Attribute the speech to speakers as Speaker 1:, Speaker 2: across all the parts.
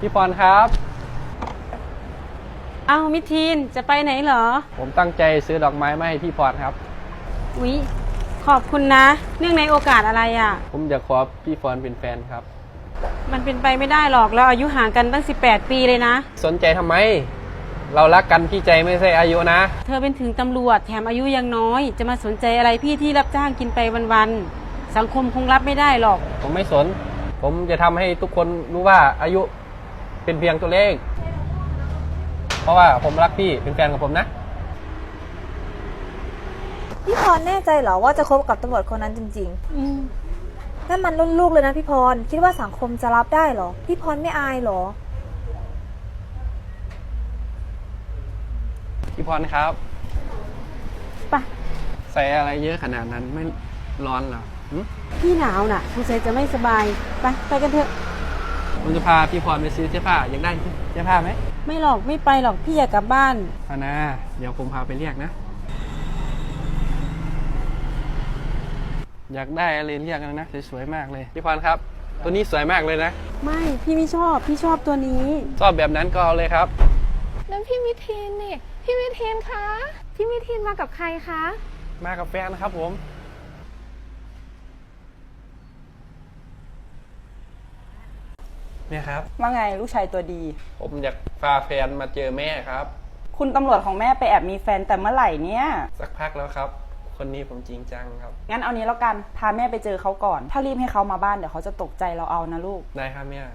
Speaker 1: พี่พรครับ
Speaker 2: อ้าวมิทีนจะไปไหนเหรอ
Speaker 1: ผมตั้งใจซื้อดอกไม้มาให้พี่พรครับ
Speaker 2: อุ๊ยขอบคุณนะเนื่องในโอกาสอะไรอ่ะ
Speaker 1: ผมอยากขอพี่พรเป็นแฟนครับ
Speaker 2: มันเป็นไปไม่ได้หรอกเราอายุห่างกันตั้ง18 ปีเลยนะ
Speaker 1: สนใจทำไมเรารักกันที่ใจไม่ใช่อายุนะ
Speaker 2: เธอเป็นถึงตำรวจแถมอายุยังน้อยจะมาสนใจอะไรพี่ที่รับจ้างกินไปวันๆสังคมคงรับไม่ได้หรอก
Speaker 1: ผมไม่สนผมจะทำให้ทุกคนรู้ว่าอายุเป็นเพียงตัวเลขเพราะว่าผมรักพี่เป็นแฟนกับผมนะ
Speaker 3: พี่พรแน่ใจเหรอว่าจะคบกับตำรวจคนนั้นจริงๆนั่นมันรุ่นลูกเลยนะพี่พรคิดว่าสังคมจะรับได้เหรอพี่พรไม่อายเหรอ
Speaker 1: พี่พรครับ
Speaker 2: ไป
Speaker 1: ใส่อะไรเยอะขนาดนั้นไม่ร้อนเหรอ
Speaker 2: พี่หนาวน่ะสงสัยจะไม่สบายไปกันเถอะ
Speaker 1: ผมจะพาพี่พรไปซื้อเสื้อผ้าอยากได้เสื้อผ้าไหม
Speaker 2: ไม่หรอกไม่ไปหรอกพี่อยากกลับบ้าน
Speaker 1: นะเดี๋ยวผมพาไปเรียกนะอยากได้อะไรเรียกกันนะสวยๆมากเลยพี่พรครับตัวนี้สวยมากเลยนะ
Speaker 2: ไม่พี่ไม่ชอบพี่ชอบตัวนี้
Speaker 1: ชอบแบบนั้นก็เอาเลยครับ
Speaker 4: นั่นพี่มิทีนนี่พี่มิทีนคะพี่มิทีนมากับใครคะ
Speaker 1: มากับแฟนครับผมเนี่ยครับ
Speaker 5: ว่าไงลูกชายตัวดี
Speaker 1: ผมอยากพาแฟนมาเจอแม่ครับ
Speaker 5: คุณตำรวจของแม่ไปแอบมีแฟนแต่เมื่อไหร่เนี่ย
Speaker 1: สักพักแล้วครับคนนี้ผมจริงจังครับ
Speaker 5: งั้นเอานี้แล้วกันพาแม่ไปเจอเขาก่อนถ้ารีบให้เขามาบ้านเดี๋ยวเขาจะตกใจเราเอานะลูก
Speaker 1: ได้ครับแม่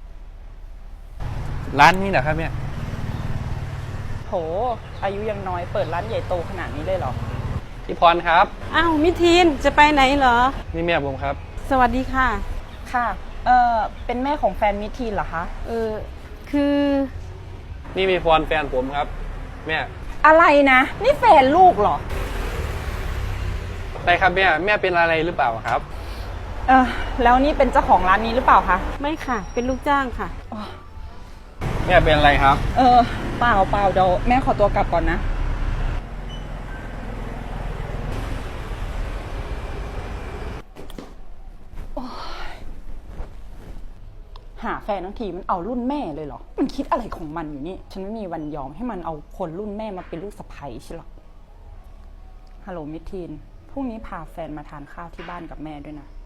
Speaker 1: ร้านนี้เหรอครับแม่
Speaker 5: โหอายุยังน้อยเปิดร้านใหญ่โตขนาดนี้เลยเหรอ
Speaker 1: พี่พรครับ
Speaker 2: อ้าวมิทีนจะไปไหนเหรอ
Speaker 1: นี่แม่ผมครับ
Speaker 2: สวัสดีค่ะ
Speaker 5: ค่ะเป็นแม่ของแฟนมิทีนเหรอคะ
Speaker 2: คือ
Speaker 1: นี่มีพรแฟนผมครับแม่
Speaker 5: อะไรนะนี่แฟนลูกเหรอ
Speaker 1: ใช่ครับแม่เป็นอะไรหรือเปล่าครับ
Speaker 5: แล้วนี่เป็นเจ้าของร้านนี้หรือเปล่าคะ
Speaker 2: ไม่ค่ะเป็นลูกจ้างค่ะ
Speaker 1: แม่เป็นอะไรครับ
Speaker 5: เปล่าเดี๋ยวแม่ขอตัวกลับก่อนนะหาแฟนทั้งทีมันเอารุ่นแม่เลยเหรอมันคิดอะไรของมันอยู่นี่ฉันไม่มีวันยอมให้มันเอาคนรุ่นแม่มาเป็นลูกสะใภ้ใช่หรอฮัลโหลมิทีนพรุ่งนี้พาแฟนมาทานข้าวที่บ้านกับแม่ด้วยนะ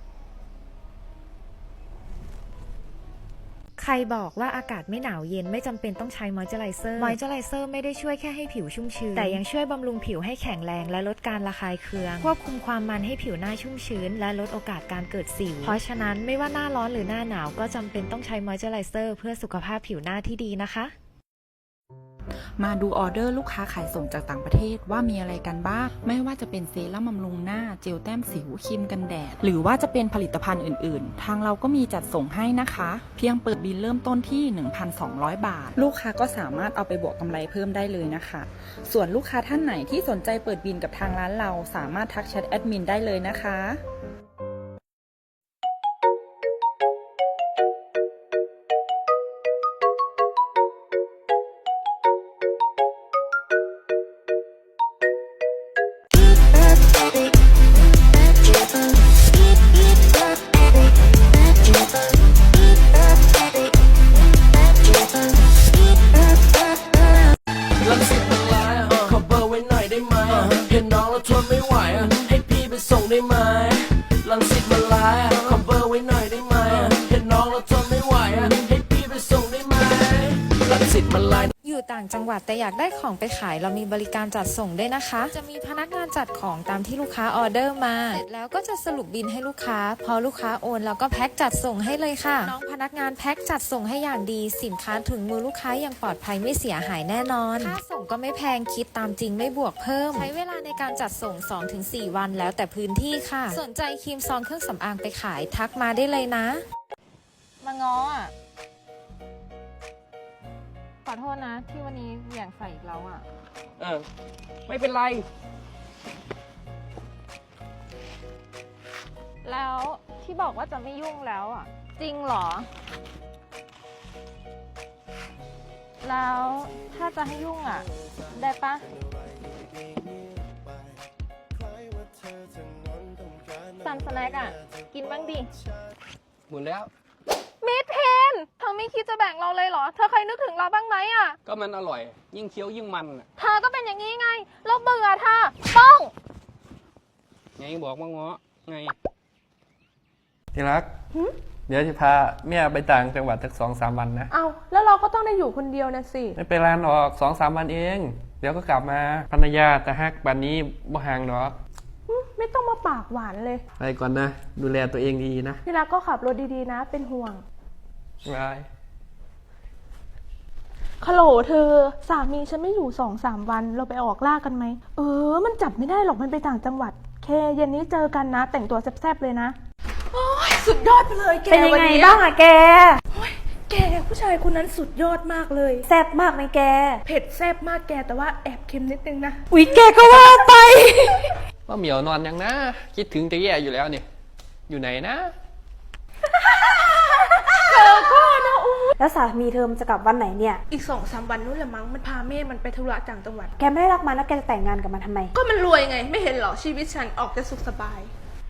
Speaker 6: ใครบอกว่าอากาศไม่หนาวเย็นไม่จำเป็นต้องใช้มอยเจอไรเซอร์ไม่ได้ช่วยแค่ให้ผิวชุ่มชื้นแต่ยังช่วยบำรุงผิวให้แข็งแรงและลดการระคายเคืองควบคุมความมันให้ผิวหน้าชุ่มชื้นและลดโอกาสการเกิดสิวเพราะฉะนั้นไม่ว่าหน้าร้อนหรือหน้าหนาวก็จำเป็นต้องใช้มอยเจอไรเซอร์เพื่อสุขภาพผิวหน้าที่ดีนะคะ
Speaker 7: มาดูออเดอร์ลูกค้าขายส่งจากต่างประเทศว่ามีอะไรกันบ้างไม่ว่าจะเป็นเซรั่มบำรุงหน้าเจลแต้มสิวครีมกันแดดหรือว่าจะเป็นผลิตภัณฑ์อื่นๆทางเราก็มีจัดส่งให้นะคะเพียงเปิดบิลเริ่มต้นที่ 1,200 บาทลูกค้าก็สามารถเอาไปบวกกำไรเพิ่มได้เลยนะคะส่วนลูกค้าท่านไหนที่สนใจเปิดบิลกับทางร้านเราสามารถทักแชทแอดมินได้เลยนะคะ
Speaker 8: ส่งได้ไหมลังสิตมาไลน์ขอเบอร์ไว้หน่อยได้ไหมเห็นน้องแล้วทนไม่ไหวให้พี่ไปส่งได้ไหมลังสิตมาไลน์
Speaker 6: อยู่ต่างจังหวัดแต่อยากได้ของไปขายเรามีบริการจัดส่งด้วยนะคะจะมีพนักงานจัดของตามที่ลูกค้าออเดอร์มาเสร็จแล้วก็จะสรุปบิลให้ลูกค้าพอลูกค้าโอนเราก็แพ็คจัดส่งให้เลยค่ะน้องพนักงานแพ็คจัดส่งให้อย่างดีสินค้าถึงมือลูกค้าอย่างปลอดภัยไม่เสียหายแน่นอนค่าส่งก็ไม่แพงคิดตามจริงไม่บวกเพิ่มใช้เวลาในการจัดส่ง 2-4 วันแล้วแต่พื้นที่ค่ะสนใจครีมซองเครื่องสำอางไปขายทักมาได้เลยนะ
Speaker 4: มาง้ออ่ะขอโทษนะที่วันนี้เหวี่ยงใส่อีกแล้วอ่ะ
Speaker 1: ไม่เป็นไร
Speaker 4: แล้วที่บอกว่าจะไม่ยุ่งแล้วอ่ะจริงเหรอแล้วถ้าจะให้ยุ่งอ่ะได้ปะซันสแน็คอ่ะกินบ้างดิ
Speaker 1: หมดแล้ว
Speaker 4: มิดเทนทำไมไม่คิดจะแบ่งเราเลยเหรอ เธอเคยนึกถึงเราบ้างไหมอะ
Speaker 1: ก็มันอร่อย ยิ่งเคี้ยวยิ่งมันน่ะ
Speaker 4: เธอก็เป็นอย่างนี้ไง เราเบื่อเธอป้อง
Speaker 1: ไงบอกว่าง้อไงที่รัก เดี๋ยวจะพาเมียไปต่างจังหวัดสัก2-3 วันนะ
Speaker 4: เอาแล้วเราก็ต้องได้อยู่คนเดียวนะสิ
Speaker 1: ไม่เป็นไรหรอก2-3 วันเอง เดี๋ยวก็กลับมาภรรยาแต่ฮักบันนี้บ่ห่างหรอก
Speaker 4: ไม่ต้องมาปากหวานเลย
Speaker 1: ไปก่อนนะ ดูแลตัวเองดีนะ
Speaker 4: พี่รักก็ขับรถดีๆนะ เป็นห่วง
Speaker 1: บาย
Speaker 4: ฮัลโหลเธอ สามีฉันไม่อยู่2-3 วัน เราไปออกล่ากันไหม มันจับไม่ได้หรอกมันไปต่างจังหวัด เคเย็นนี้เจอกันนะ แต่งตัวแซ่บๆเลยนะ โอ้ยสุดยอดไปเลยแก
Speaker 3: เป็นยังไง
Speaker 4: วันนี้
Speaker 3: บ้างอะแก
Speaker 4: แกผู้ชายคนนั้นสุดยอดมากเลย
Speaker 3: แซ่บมากไหมแก
Speaker 4: เผ็ดแซ่บมากแกแต่ว่าแอบเค็มนิดนึงนะ
Speaker 3: อุ๊ยแกก็ว่าไป
Speaker 1: ว่าเหมียวนอนยังนะ คิดถึงจะแย่อยู่แล้วเนี่ย อยู่ไหนนะ
Speaker 3: แล้วสามีเธอมันจะกลับวันไหนเนี่ย
Speaker 4: อีก2-3 วันนู้นแหละมั้งมันพาแม่มันไปธุระต่างจังหวัด
Speaker 3: แกไม่ได้รักมันแล้วแกจะแต่งงานกับมันทำไม
Speaker 4: ก็มันรวยไง ไม่เห็นเหรอชีวิตฉันออกจะสุขสบาย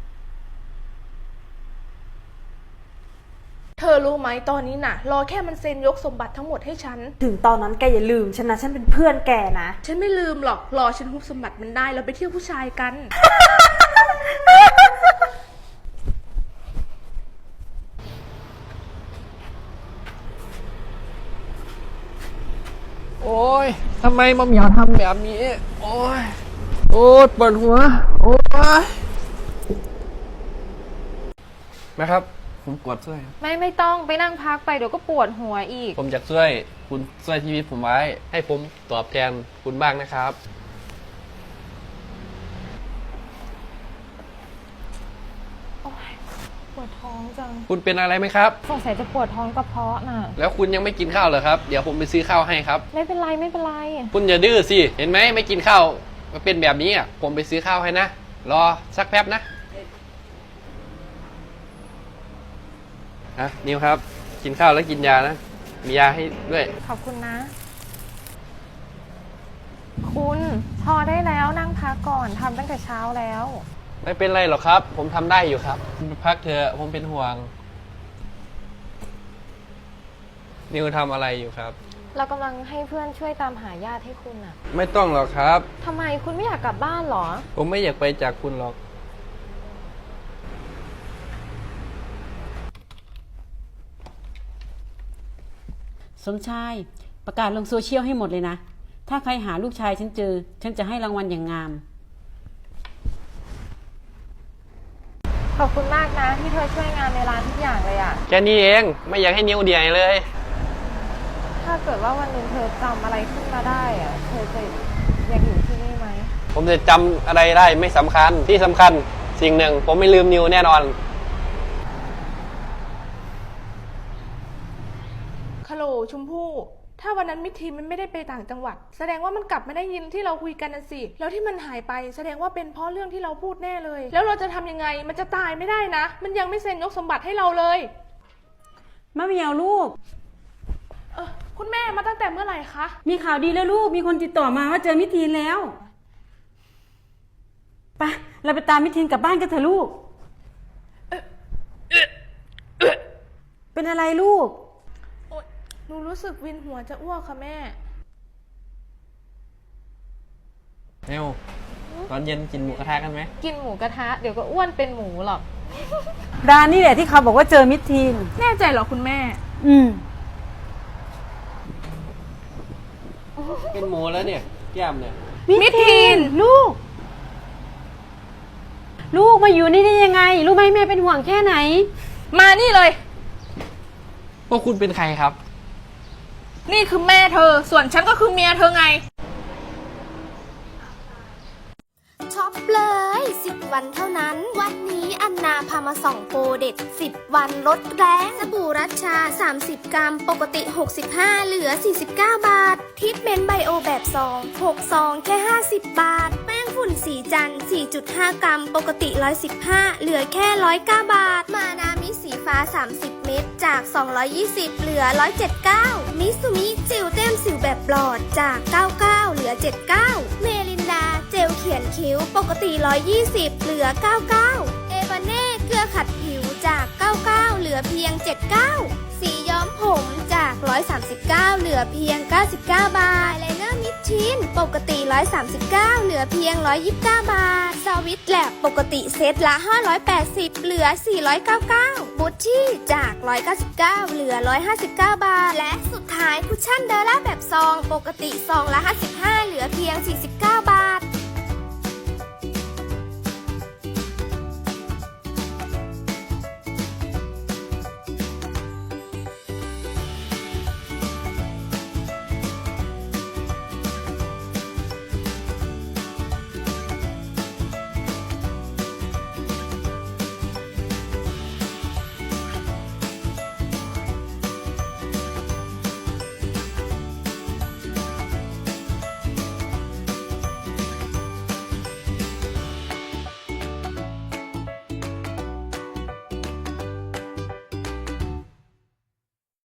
Speaker 4: เธอรู้ไหมตอนนี้น่ะ รอแค่มันเซ็นยกสมบัติทั้งหมดให้ฉัน
Speaker 3: ถึงตอนนั้นแกอย่าลืมฉันนะ ฉันเป็นเพื่อนแกนะ
Speaker 4: ฉันไม่ลืมหรอกรอฉันฮุบสมบัติมันได้เราไปเที่ยวผู้ชายกัน
Speaker 1: โอ้ยทำไมมาเหมียวทำแบบนี้ โอ้ย โอ้ยปวดหัว โอ้ยนะครับ ผมปวดช่วย
Speaker 9: ไม่ต้องไปนั่งพักไปเดี๋ยวก็ปวดหัวอีก
Speaker 1: ผมอยากช่วย คุณช่วยชีวิตผมไว้ ให้ผมตอบแทนคุณบ้างนะครับ
Speaker 9: ปวดท้องจัง
Speaker 1: คุณเป็นอะไรไหมครับ
Speaker 9: สงสัยจะปวดท้องกระเพาะน่ะ
Speaker 1: แล้วคุณยังไม่กินข้าวเหรอครับ เดี๋ยวผมไปซื้อข้าวให้ครับ
Speaker 9: ไม่เป็นไรไม่เป็นไร
Speaker 1: คุณอย่าดื้อสิ เห็นไหมไม่กินข้าวมาเป็นแบบนี้อ่ะ ผมไปซื้อข้าวให้นะ รอสักแป๊บนะนิวครับ กินข้าวแล้วกินยานะ มียาให้ด้วย
Speaker 9: ขอบคุณนะ คุณพอได้แล้วนั่งพักก่อนทำตั้งแต่เช้าแล้ว
Speaker 1: ไม่เป็นไรหรอกครับ ผมทำได้อยู่ครับคุณไปพักเถอะผมเป็นห่วง นิวทำอะไรอยู่ครับ
Speaker 9: เรากำลังให้เพื่อนช่วยตามหาญาติให้คุณน่ะ
Speaker 1: ไม่ต้องหรอกครับ
Speaker 9: ทำไมคุณไม่อยากกลับบ้านเหรอ
Speaker 1: ผมไม่อยากไปจากคุณหรอก
Speaker 2: สมชายประกาศลงโซเชียลให้หมดเลยนะ ถ้าใครหาลูกชายฉันเจอ ฉันจะให้รางวัลอย่างงาม
Speaker 9: ขอบคุณมากนะที่เธอช่วยงานในร้านทุกอย่างเลยอะ
Speaker 1: แค่นี้เองไม่อยากให้นิวเดียเลย
Speaker 9: ถ้าเกิดว่าวันหนึ่งเธอจำอะไรขึ้นมาได้อะเธอจะยังอยู่ที่นี่ไหม
Speaker 1: ผมจะจำอะไรได้ไม่สำคัญที่สำคัญสิ่งหนึ่ง ผมไม่ลืมนิวแน่นอน
Speaker 4: ฮัลโหลชมพู่ ถ้าวันนั้นมิทีนมันไม่ได้ไปต่างจังหวัด แสดงว่ามันกลับไม่ได้ยินที่เราคุยกันน่ะสิ แล้วที่มันหายไปแสดงว่าเป็นเพราะเรื่องที่เราพูดแน่เลย แล้วเราจะทำยังไง มันจะตายไม่ได้นะ มันยังไม่เซ็นยกสมบัติให้เราเลย
Speaker 2: มะเหมียวลูก
Speaker 4: คุณแม่มาตั้งแต่เมื่อไหร่คะ
Speaker 2: มีข่าวดีแล้วลูก มีคนติดต่อมาว่าเจอมิทีนแล้ว ไป เราไปตามมิทีนกลับบ้านกันเถอะลูก เป็นอะไรลูก
Speaker 4: โอ๊ยหนูรู้สึกวินหัวจะอ้วกค่ะแม่
Speaker 1: นิวตอนเย็นกินหมูกระทะกันไหม
Speaker 9: กินหมูกระทะเดี๋ยวก็อ้วนเป็นหมูหรอก
Speaker 2: ร้านนี่แหละที่เขาบอกว่าเจอมิทีน
Speaker 4: แน่ใจเหรอคุณแม่
Speaker 1: เป็นหมูแล้วเนี่ยแก้มเนี่ย
Speaker 2: มิทีนลูก ลูกมาอยู่นี่ได้ยังไง รู้ไหมแม่เป็นห่วงแค่ไหน
Speaker 4: มานี่เลย
Speaker 1: พวกคุณเป็นใครครับ
Speaker 4: นี่คือแม่เธอ ส่วนฉันก็คือเมียเธอไง
Speaker 10: ช็อปเลย 10 วันเท่านั้น วันนี้อันนาพามาส่องโปรเด็ด 10 วันลดแรงสบู่รัชชา 30 กรัม ปกติ 65 เหลือ 49 บาททรีทเมนต์ไบโอแบบซอง6 ซองแค่ 50 บาท แป้งฝุ่นสีจันทร์ 4.5 กรัม ปกติ 115 เหลือแค่ 109 บาท มานามิสีฟ้า 30 เม็ดจาก 220 เหลือ 179 มิซูมิเจลแต้มสิวแบบปลอดจาก 99 เหลือ 79 เมลินดาเจลเขียนคิ้ว ปกติ 120 เหลือ 99 เอวาเน่เกลือขัดผิวจาก 99 เหลือเพียง 79 สีย้อมผผมจาก 139 เหลือเพียง 99 บาท อายไลเนอร์มิดชินปกติ 139 เหลือเพียง 129 บาท สวิตแลบปกติเซตละ 580 เหลือ 499 บูชชี่จาก 199 เหลือ 159 บาท และสุดท้ายคุชชั่นเดอร่าแบบซอง ปกติซองละ 55 เหลือเพียง 49 บาท